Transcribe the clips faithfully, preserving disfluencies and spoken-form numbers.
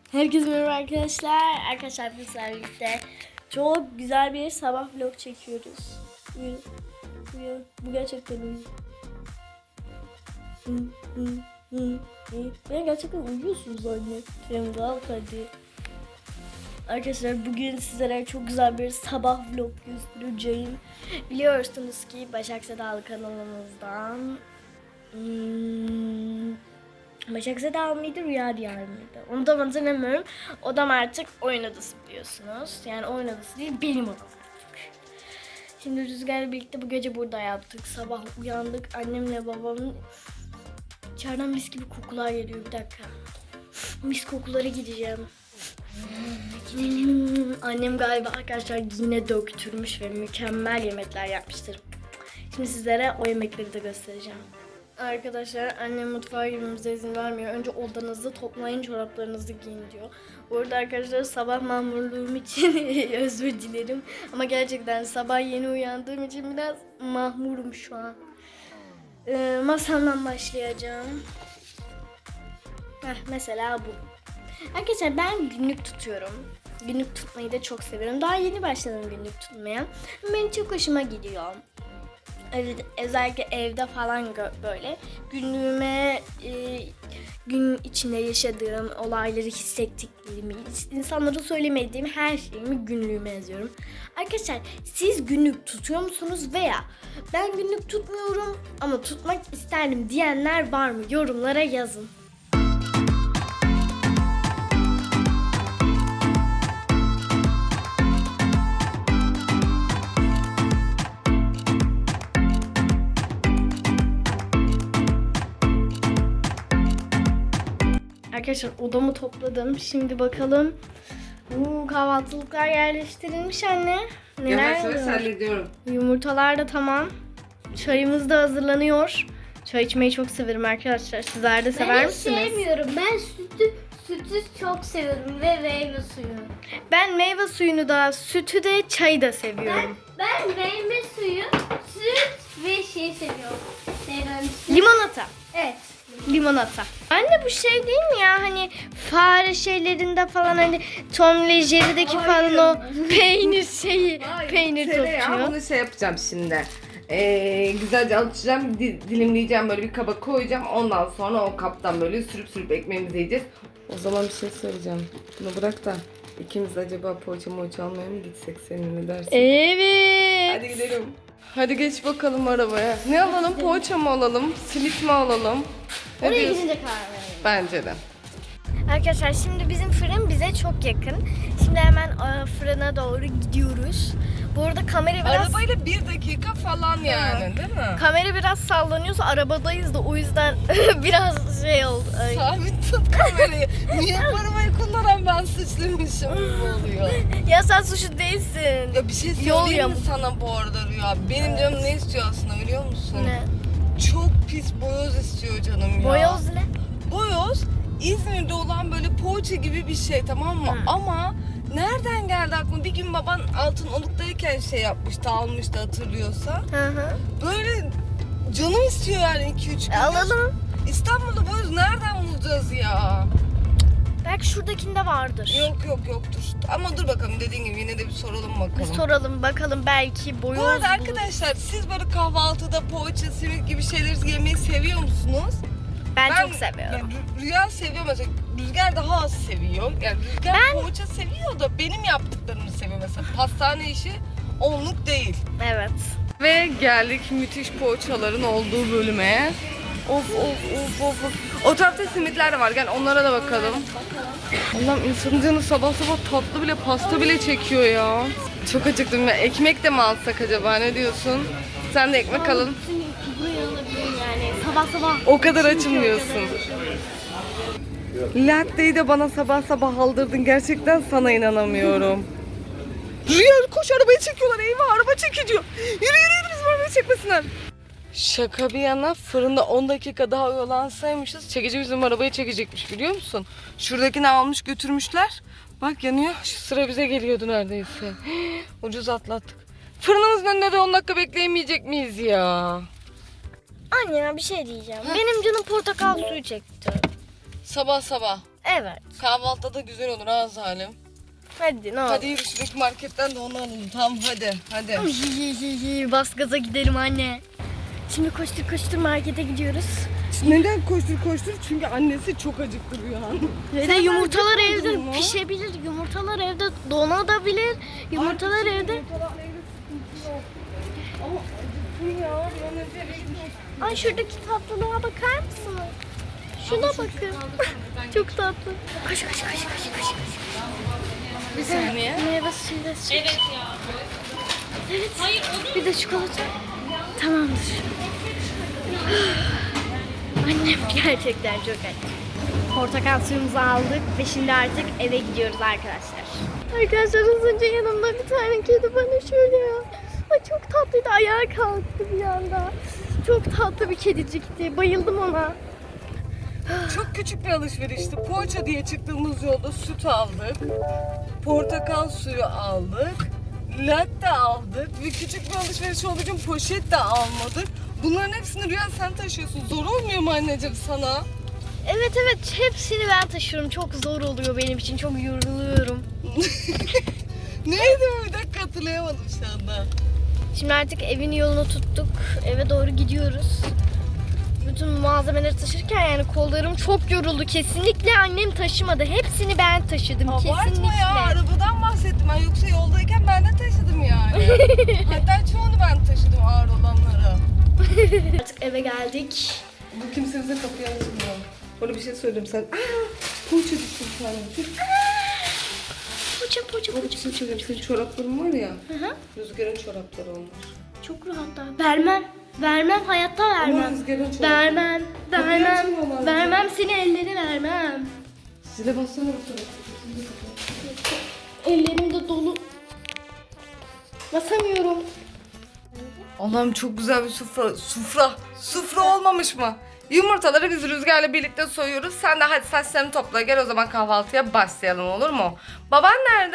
Herkese merhaba arkadaşlar. Arkadaşlar biz birlikte çok güzel bir sabah vlog çekiyoruz. Uyuyun. Uyuyun. Bu gerçekten uyuyun. Hı, hı, hı, hı. Ben gerçekten uyuyorsunuz anne. Krem kalk hadi. Arkadaşlar bugün sizlere çok güzel bir sabah vlog göstereceğim. Biliyorsunuz ki Başak Sedalı kanalımızdan hmm, Başak Sedalı mıydı, Rüya Diyar mıydı? Onu da hatırlamıyorum. Odam artık oyun odası biliyorsunuz. Yani oyun odası değil, benim odam artık. Şimdi Rüzgar'la birlikte bu gece burada yaptık. Sabah uyandık. Annemle babamın içeriden mis gibi kokular geliyor. Bir dakika. Mis kokulara gideceğim. Hmm, annem galiba arkadaşlar yine döktürmüş ve mükemmel yemekler yapmıştır. Şimdi sizlere o yemekleri de göstereceğim. Arkadaşlar annem mutfağa girmemize izin vermiyor. Önce odanızı toplayın, çoraplarınızı giyin diyor. Bu arada arkadaşlar sabah mahmurluğum için özür dilerim. Ama gerçekten sabah yeni uyandığım için biraz mahmurum şu an. Ee, masamdan başlayacağım. Heh, mesela bu. Arkadaşlar ben günlük tutuyorum. Günlük tutmayı da çok seviyorum. Daha yeni başladım günlük tutmaya. Benim çok hoşuma gidiyor. Özellikle evde falan böyle günlüğüme, e, gün içinde yaşadığım olayları, hissettiklerimi, insanlara söylemediğim her şeyimi günlüğüme yazıyorum. Arkadaşlar siz günlük tutuyor musunuz veya ben günlük tutmuyorum ama tutmak isterdim diyenler var mı? Yorumlara yazın. Arkadaşlar odamı topladım. Şimdi bakalım. Uuu, kahvaltılıklar yerleştirilmiş anne. Neler Yavaş yavaş var? hallediyorum. Yumurtalar da tamam. Çayımız da hazırlanıyor. Çay içmeyi çok severim arkadaşlar. Sizler de sever ben misiniz? Ben sevmiyorum. Ben sütü sütü çok seviyorum ve meyve suyu. Ben meyve suyunu da, sütü de, çayı da seviyorum. Ben, ben meyve suyu, süt ve şey seviyorum. Neyden? Limonata. Evet. Limonata. Anne bu şey değil mi ya, hani fare şeylerinde falan, hani Tom ve Jerry'deki falan o peynir şeyi, peynir Tereyağı, topçuyor. bunu şey yapacağım şimdi. Ee, güzelce alışacağım, di- dilimleyeceğim, böyle bir kaba koyacağım. Ondan sonra o kaptan böyle sürüp sürüp ekmeğimizi yiyeceğiz. O zaman bir şey söyleyeceğim. Bunu bırak da ikimiz acaba poğaça moğaça almaya mı gitsek, seninle dersin? Evet. Hadi gidelim. Hadi geç bakalım arabaya. Ne alalım? Poğaça mı alalım? Simit mi alalım? Ne Oraya diyorsun? gidince karar verelim. Bence de. Arkadaşlar şimdi bizim fırın bize çok yakın. Şimdi hemen e, fırına doğru gidiyoruz. Bu arada kamera biraz Arabayla bir dakika falan yani, değil mi? kamera biraz sallanıyorsa arabadayız da o yüzden biraz şey oldu. Ay. Sabit tut kamerayı. Niye arabayı kullanan ben suçluymuşum gibi oluyor. Ya sen suçlu değilsin. Ya bir şey Yol söyleyeyim mi yamuk. sana bu arada Rüya? Benim canım ne istiyor aslında biliyor musun? Ne? Çok pis boyoz istiyor canım ya. Boyoz ne? Boyoz İzmir'de olan böyle poğaça gibi bir şey, tamam mı? Hı. Ama nereden geldi aklıma? Bir gün baban altın oluktayken şey yapmıştı, almıştı hatırlıyorsa. Hı hı. Böyle canım istiyor yani iki üç gün. E, alalım. İstanbul'da boyoz nereden bulacağız ya? Belki şuradakinde vardır. Yok yok yoktur. Ama dur bakalım, dediğin gibi yine de bir soralım Bir bakalım. soralım bakalım, belki boyoz Bu arada buluruz. arkadaşlar, siz böyle kahvaltıda poğaça, simit gibi şeyleri yemeyi seviyor musunuz? Ben, çok seviyorum. Yani Rüya seviyor mesela. Rüzgar daha az seviyor. Yani Rüzgar Ben- poğaça seviyor da benim yaptıklarımı seviyor mesela. Pastane işi onluk değil. Evet. Ve geldik müthiş poğaçaların olduğu bölüme. Of of of of. of. O tarafta simitler de var. Gel onlara da bakalım. Allah'ım, insanın canı sabah sabah tatlı bile, pasta bile çekiyor ya. Çok acıktım ya. Ekmek de mi alsak acaba, ne diyorsun? Sen de ekmek alın. Buraya alabilirim yani. Sabah sabah. O kadar açım diyorsun. Latte'yi de bana sabah sabah aldırdın. Gerçekten sana inanamıyorum. Rüya koş, arabayı çekiyorlar. Eyvah, araba çekiliyor. Yürü yürü yürü, bizim arabayı çekmesinler. Şaka bir yana, fırında on dakika daha oyalansaymışız, çekici bizim arabayı çekecekmiş, biliyor musun? Şuradakini almış götürmüşler. Bak yanıyor. Şu sıra bize geliyordu neredeyse. Ucuz atlattık. Fırınımızın önünde de on dakika bekleyemeyecek miyiz ya? Anne ya bir şey diyeceğim. Benim canım portakal suyu çekti. Sabah sabah. Evet. Kahvaltıda da güzel olur ha Salim. Hadi ne olur. Hadi yürü şuradaki marketten de onu alalım. Tamam hadi hadi. Bas gaza gidelim anne. Şimdi koştur koştur markete gidiyoruz. Neden koştur koştur? Çünkü annesi çok acıktı Rüyan. Ve de yumurtalar evde pişebilir. Yumurtalar evde donabilir. Yumurtalar evde. Ama acıktım ya. Bir an önce eve gitmek. Ay şuradaki tatlılığa bakar mısın? Şuna bakın. Çok tatlı. Koş koş koş koş koş. Bir saniye. Meyve suyu da süt. Evet ya. Evet. Bir de çikolata. Tamamdır. Annem gerçekten çok aç. Portakal suyumuzu aldık ve şimdi artık eve gidiyoruz arkadaşlar. Arkadaşlar az önce yanımda bir tane kedi bana şöyle ya. Ay çok tatlıydı. Ayağa kalktı bir anda. Çok tatlı bir kedicikti. Bayıldım ona. Çok küçük bir alışverişti. Poğaça diye çıktığımız yolda süt aldık. Portakal suyu aldık. Latte aldık. Ve küçük bir alışveriş olduğu için poşet de almadık. Bunların hepsini Rüya sen taşıyorsun. Zor olmuyor mu anneciğim sana? Evet evet hepsini ben taşıyorum. Çok zor oluyor benim için. Çok yoruluyorum. Neydi bu? Bir dakika hatırlayamadım şu anda. Şimdi artık evin yolunu tuttuk. Eve doğru gidiyoruz. Bütün malzemeleri taşırken yani kollarım çok yoruldu. Kesinlikle annem taşımadı. Hepsini ben taşıdım. Abartma Kesinlikle. ya, arabadan bahsettim ben. Yoksa yoldayken ben de taşıdım yani. Hatta çoğunu ben taşıdım, ağır olanları. Artık eve geldik. Bu kimse bize kapıyı açmıyor. Bana bir şey söyleyeyim sen. Aaa! Poğaça düştü bir tane. Çok Poça poça Bak, poça. bir şey söyleyeyim. Senin çorapların var ya. Hı hı. Rüzgar'ın çorapları olmuş. Çok rahat da. Vermem. Vermem. Hayatta Ama vermem. Rüzgar'ın çorapları. Vermem. Vermem. açmıyorlar. Vermem seni elleri vermem. Zile bassana bu tarafa. Ellerim de dolu. Basamıyorum. Allah'ım çok güzel bir sufra. Sufra. Sufra olmamış mı? Yumurtaları biz Rüzgar'la birlikte soyuyoruz. Sen de hadi saçlarını topla gel o zaman kahvaltıya başlayalım, olur mu? Baban nerede?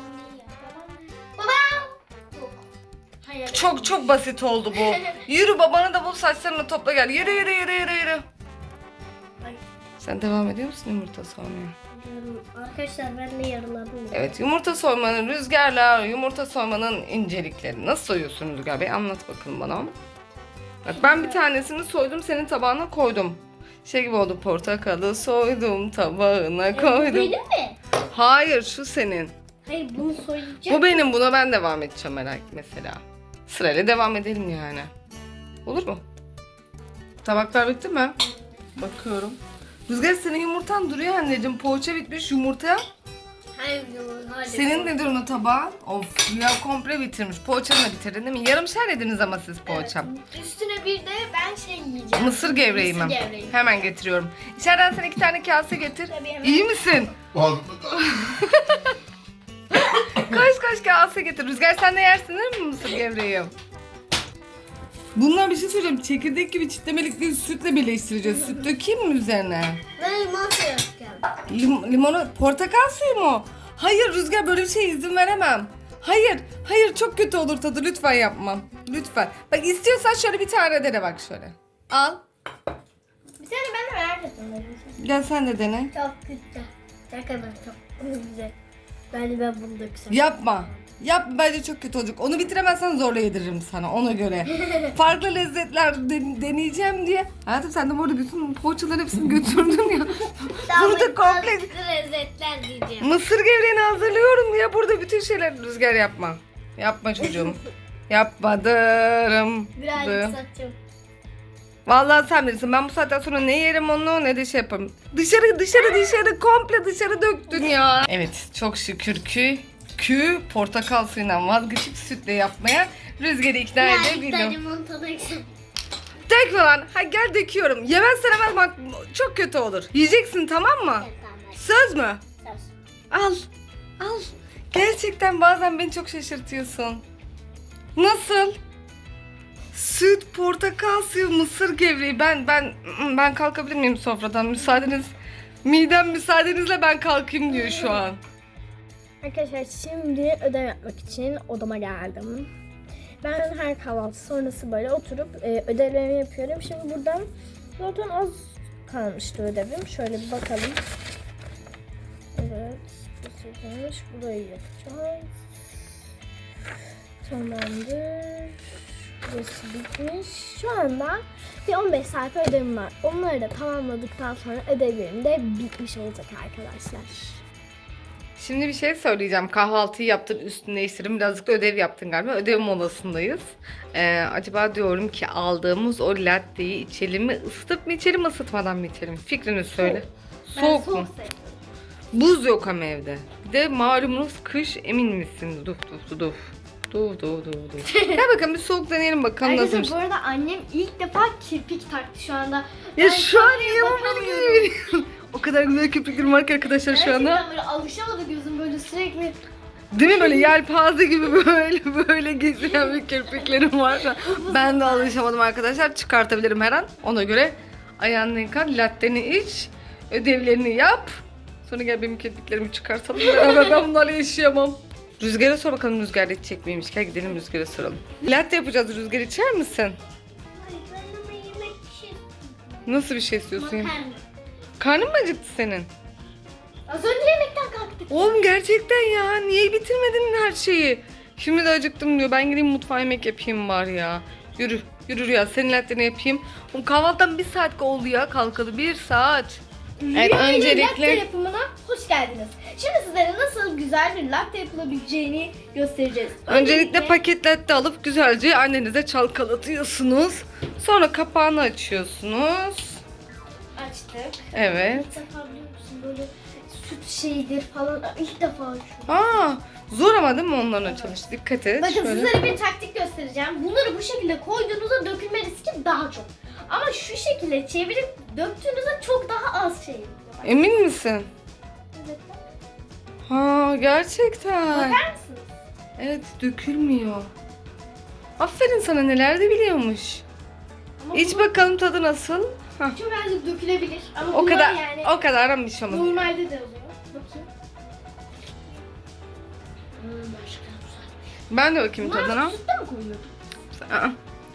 Baba. Hayır. Çok çok basit oldu bu. Yürü babanı da bul, saçlarını topla gel. Yürü yürü yürü yürü yürü. Ay. Sen devam ediyor musun yumurta soymaya? Arkadaşlar ben de yarıladım. Evet, yumurta soymanın, Rüzgar'la yumurta soymanın incelikleri. Nasıl soyuyorsun Rüzgar Bey? Anlat bakalım bana. Bak ben bir tanesini soydum, senin tabağına koydum. Şey gibi oldu, portakalı soydum tabağına koydum. Benim mi? Hayır, şu senin. Hayır bunu soyacağım. Bu benim, buna ben devam edeceğim merak mesela. Sırayla devam edelim yani. Olur mu? Tabaklar bitti mi? Bakıyorum. Rüzgar senin yumurtan duruyor anneciğim. Poğaça bitmiş, yumurta. Hayır hayır. Senin nedir onun tabağın? Of ya, komple bitirmiş. Poğaçanı da bitirdin değil mi? Yarımşar yediniz ama siz poğaça. Üstüne bir de ben şey yiyeceğim. Mısır gevreği mi? Mısır gevreği. Hemen getiriyorum. İçeriden sen iki tane kase getir. Tabii, hemen. İyi misin? Kaç kaç kase getir. Rüzgar sen de yersin değil mi mısır gevreği? Bunlar bir şey söyleyeyim. Çekirdek gibi çitlemelikleri sütle birleştireceğiz. Süt dökeyim mi üzerine? Ben limon suyu yapacağım. Lim limonu, portakal suyu mu? Hayır Rüzgar, böyle bir şeye izin veremem. Hayır, hayır çok kötü olur tadı. Lütfen yapmam. Lütfen. Bak istiyorsan şöyle bir tane dene bak şöyle. Al. Bir tane ben de merak ettim. Gel sen de dene. Çok güzel. Ne kadar çok güzel. Bence ben bunu döksem. Yapma. Yap, bence çok kötü olacak. Onu bitiremezsen zorla yediririm sana ona göre. Farklı lezzetler den- deneyeceğim diye. Hayatım sen de bu arada bütün poğaçaların hepsini götürdün ya. Burada komple lezzetler diyeceğim. mısır gevreğini hazırlıyorum ya. Burada bütün şeyler Rüzgar yapma. Yapma çocuğum. Yapmadım. Birazcık satacağım. Vallahi sen bilirsin. Ben bu saatten sonra ne yerim onu ne de şey yaparım. Dışarı dışarı dışarı komple dışarı döktün ya. Evet çok şükür ki kü portakal suyundan vazgeçip sütle yapmaya Rüzgar'ı ikna Yani bir edebildim. tane limon tadı eksem. Dök falan. Ha gel döküyorum. Yemezsen hemen bak çok kötü olur. Yiyeceksin tamam mı? Evet tamam. Söz mü? Söz. Al. Al. Gerçekten bazen beni çok şaşırtıyorsun. Nasıl? Süt, portakal suyu, mısır gevreği. Ben ben ben kalkabilir miyim sofradan? Müsaadeniz. Midem müsaadenizle ben kalkayım diyor şu an. Arkadaşlar şimdi ödev yapmak için odama geldim. Ben her kahvaltı sonrası böyle oturup e, ödevlerimi yapıyorum. Şimdi buradan zaten az kalmıştı ödevim. Şöyle bir bakalım. dakikaymış. Burayı yapacağız. Tamamdır. Burası bitmiş. Şu anda bir on beş sayfa ödevim var. Onları da tamamladıktan sonra ödevlerim de bitmiş olacak arkadaşlar. Şimdi bir şey söyleyeceğim. Kahvaltıyı yaptın, üstünü değiştirdin. Birazcık da ödev yaptın galiba. Ödev molasındayız. Ee, acaba diyorum ki aldığımız o latteyi içelim mi? Isıtıp mı içelim, ısıtmadan mı içelim? Fikrini söyle. Ben Soğuk soğuk mu? seviyorum. Buz yok ama evde. Bir de malumunuz kış, emin misin? Duf duf duf. Duf duf duf duf. Gel bakalım bir soğuk deneyelim bakalım Arkadaşlar nasılmış. bu arada annem ilk defa kirpik taktı şu anda. Ya Ben şu an kameraya niye bakamıyorum. bunu O kadar güzel köpüklerim var ki arkadaşlar şu anda. Gerçekten böyle alışamadı gözüm böyle sürekli. Değil mi böyle yelpaze gibi böyle böyle gezilen bir kirpiklerim var şu an. Ben de alışamadım arkadaşlar. Çıkartabilirim her an. Ona göre ayağını yıkar, latteni iç, ödevlerini yap. Sonra gel benim kirpiklerimi çıkartalım. Beraber ben bunlarla yaşayamam. Rüzgar'a sor bakalım Rüzgar içecek miymiş. Gel gidelim Rüzgar'a soralım. Latte yapacağız Rüzgar, içer misin? Hayır ben ama yemek bir şey Nasıl bir şey istiyorsun? ya? Makarna. Karnın mı acıktı senin? Az önce yemekten kalktık. Oğlum gerçekten ya. Niye bitirmedin her şeyi? Şimdi de acıktım diyor. Ben gideyim mutfağa yemek yapayım var ya. Yürü. Yürü ya. Senin latteni yapayım. Oğlum kahvaltıdan bir saat oldu ya kalkalı. Bir saat. Evet, Rüya ile öncelikle- latte yapımına hoş geldiniz. Şimdi sizlere nasıl güzel bir latte yapılabileceğini göstereceğiz. Öncelikle paket latte alıp güzelce annenize çalkalatıyorsunuz. Sonra kapağını açıyorsunuz. açtık. Evet. İlk defa biliyor musun böyle süt şeydir falan ilk defa açıyorum. Aa, zor ama değil mi onların açılışı? Dikkat et. Bakın Şöyle. sizlere bir taktik göstereceğim. Bunları bu şekilde koyduğunuzda dökülme riski daha çok. Ama şu şekilde çevirip döktüğünüzde çok daha az şey oluyor. Emin misin? Evet. Ha, gerçekten. Bakar mısınız? Evet, dökülmüyor. Aferin sana, neler de biliyormuş. Ama İç bu bakalım tadı nasıl? Hah. çok azıcık dökülebilir. Ama O bunlar kadar yani o kadar bir şey olmaz. normalde de oluyor. Bakayım. Hmm, başka güzel. Ben de bakayım Bunlar tadına. sütte mi koyuyorsun? Aa.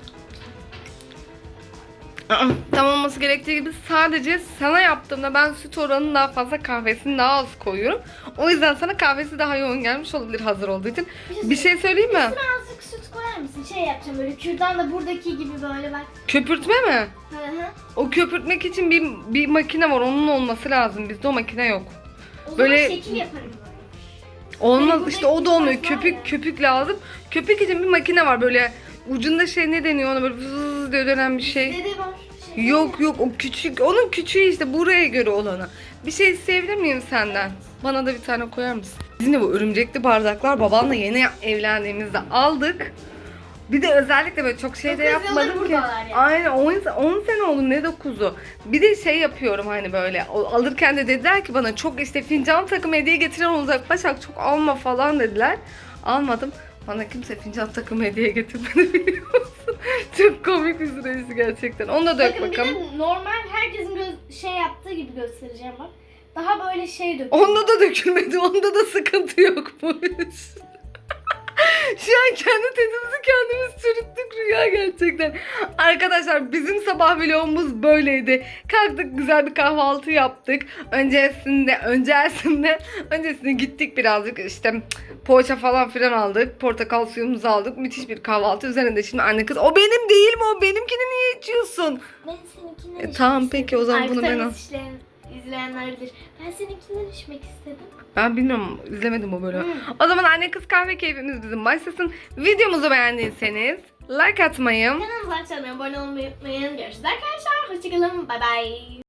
Aa, tam olması gerektiği gibi sadece sana yaptığımda ben süt oranının daha fazla, kahvesini daha az koyuyorum. O yüzden sana kahvesi daha yoğun gelmiş olabilir hazır olduğu için. Bir şey söyleyeyim mi? Üstüne azıcık süt koyar mısın? Şey yapacağım böyle kürdan da buradaki gibi böyle bak. Köpürtme mi? Hı hı. O köpürtmek için bir, bir makine var, onun olması lazım. Bizde o makine yok. O Böyle- zaman şekil yaparım böyle. Olmaz Hani işte, o da buradaki olmuyor. fark var Köpük ya. köpük lazım. Köpük için bir makine var böyle ucunda şey, ne deniyor ona, böyle vız diye dönen bir şey. Dede var. Şey Yok yok, o küçük, onun küçüğü işte, buraya göre olanı. Bir şey isteyebilir miyim senden? Bana da bir tane koyar mısın? Bizim de bu örümcekli bardaklar babanla yeni evlendiğimizde aldık. Bir de özellikle böyle çok şey de Dokuz yıldır yapmadım ki. buradalar yani. Aynen on sene oldu, ne dokuzu. Bir de şey yapıyorum hani böyle, o- alırken de dediler ki bana çok işte fincan takımı hediye getiren olacak Başak, çok alma falan dediler. Almadım. Bana kimse fincan takımı hediye getirmedi biliyor musun? Çok komik bir süresi gerçekten. Onu da dök Bakın bakalım. bir de normal herkesin göz, şey yaptığı gibi göstereceğim bak. Daha böyle şey dök. Onda da dökülmedi. Onda da sıkıntı yokmuş. Şu an kendi tezimizi kendimiz çürüttük Rüya gerçekten. Arkadaşlar bizim sabah vlogumuz böyleydi. Kalktık, güzel bir kahvaltı yaptık. Öncesinde, öncesinde, öncesinde gittik birazcık işte poğaça falan filan aldık. Portakal suyumuzu aldık. Müthiş bir kahvaltı. Üzerinde şimdi anne kız, o benim değil mi, o benimkini niye içiyorsun? Ben seninkinden E, içmek tamam, istedim. peki, o zaman bunu ben Arkadan al. izleyen, izleyenler bilir. Ben seninkinden içmek istedim. Ben bilmiyorum, izlemedim o bölümü. Hmm. O zaman anne kız kahve keyfimiz bizim başlasın. Videomuzu beğendiyseniz like atmayı, Kanalımıza abone olmayı unutmayın. Görüşürüz arkadaşlar. Hoşçakalın. Bay bay.